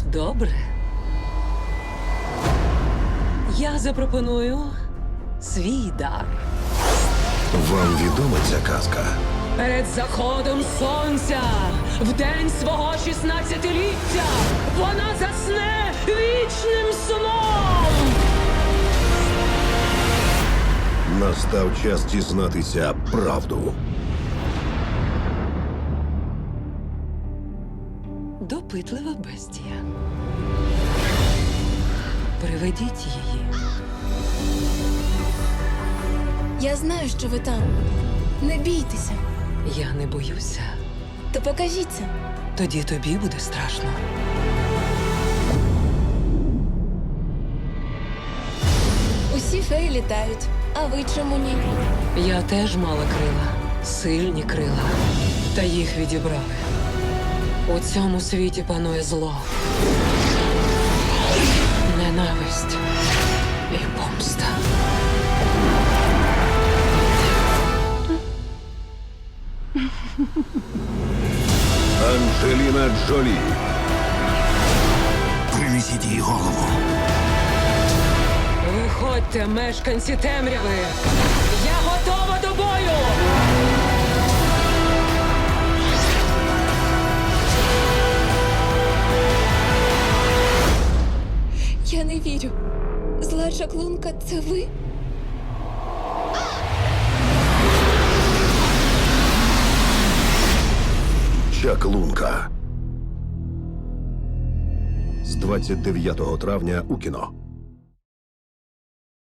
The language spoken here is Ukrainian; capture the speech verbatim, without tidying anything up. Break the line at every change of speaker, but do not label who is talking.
Добре. Я запропоную свій дар.
Вам відома ця казка?
Перед заходом сонця, в день свого шістнадцятиліття, вона засне вічним сном.
Настав час дізнатися правду.
Допитлива бестія. Приведіть її.
Я знаю, що ви там. Не бійтеся.
Я не боюся.
То покажіться.
Тоді тобі буде страшно.
Усі феї літають. А ви чому ні?
Я теж мала крила. Сильні крила. Та їх відібрали. У цьому світі панує зло. Ненависть і помста.
Анджеліна Джолі.
Принесіть їй голову.
Виходьте, мешканці темряви! Я готова до бою!
Я не вірю. Зла чаклунка – це ви?
Чаклунка. З двадцять дев'ятого травня у кіно.